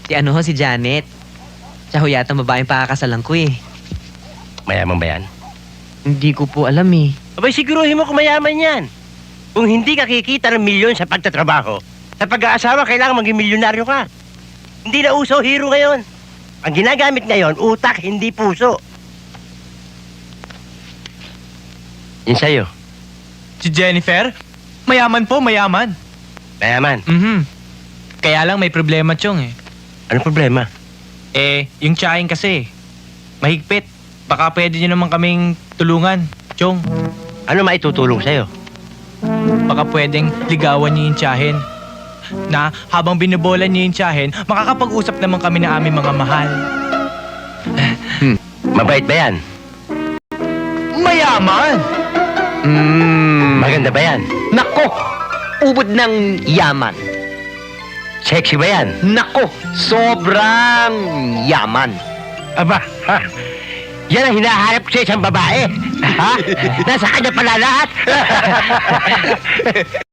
Si Janet. Siya ho yata ang babaeng pakakasalan ko eh. Mayaman ba yan? Hindi ko po alam eh. Abay, siguruhin mo kung mayaman yan. Kung hindi ka kikita ng milyon sa pagtatrabaho, sa pag-aasawa, kailangan maging milyonaryo ka. Hindi na uso hero ngayon. Ang ginagamit ngayon, utak, hindi puso. Yun sa'yo. Si Jennifer? Mayaman po, mayaman. Mayaman. Kaya lang may problema, Chong eh. Anong problema? Yung tsahin kasi. Mahigpit. Baka pwede nyo naman kaming tulungan, Chong. Ano maitutulong sa'yo? Baka pwedeng ligawan niyo yung tsahin. Na habang binubola niyo yung tsahin, makakapag-usap naman kami na aming mga mahal. Mabait ba yan? Mayaman! Maganda ba yan? Nako! Ubod ng yaman. Sexy ba yan? Nako! Sobrang yaman. Aba, ha? Yan ang hinahanap ko sa isang babae. Ha? Nasa kanya pala lahat.